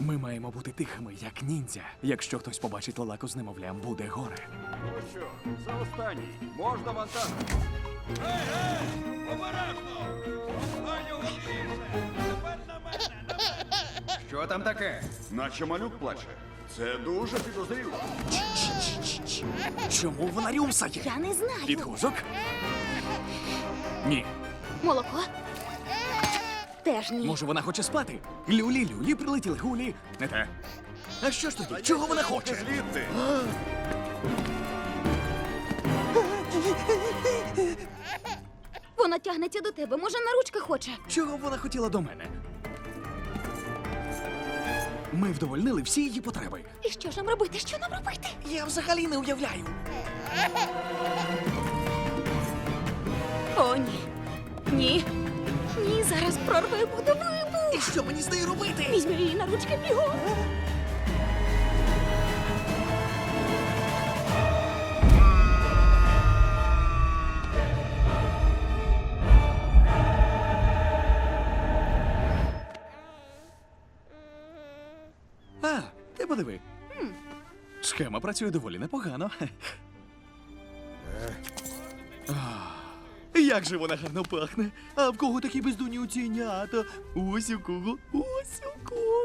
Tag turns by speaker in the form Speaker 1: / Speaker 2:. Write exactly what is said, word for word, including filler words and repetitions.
Speaker 1: Ми маємо бути тихими, як ніндзя. Якщо хтось побачить лелаку з немовлям, буде горе.
Speaker 2: Ну що, за останній. Можна вантаж?
Speaker 3: Ей, ей! Обережно! Ай, його більше! Тепер на мене, на мене!
Speaker 2: Що там таке? Наче малюк плаче. Це дуже підозріло.
Speaker 1: Чому вона рюмсає?
Speaker 4: Я не знаю.
Speaker 1: Підгузок? Ні.
Speaker 4: Молоко? Теж ні.
Speaker 1: Може, вона хоче спати? Люлі-люлі прилетіли гулі. Не те. А що ж тоді? Чого вона хоче?
Speaker 2: Звідти.
Speaker 4: Вона тягнеться до тебе. Може, на ручки хоче.
Speaker 1: Чого вона хотіла до мене? Ми вдовольнили всі її потреби.
Speaker 4: І що ж нам робити? Що нам робити?
Speaker 1: Я взагалі не уявляю.
Speaker 4: О, ні. Ні. Ні, зараз прорве буде вибух.
Speaker 1: І що мені з нею робити?
Speaker 4: Візьми її на ручки бігом.
Speaker 1: А, ти подиви. Схема працює доволі непогано. А, як же вона гарно пахне. А в кого такі бездунні оцінята? Ось у кого, ось у кого.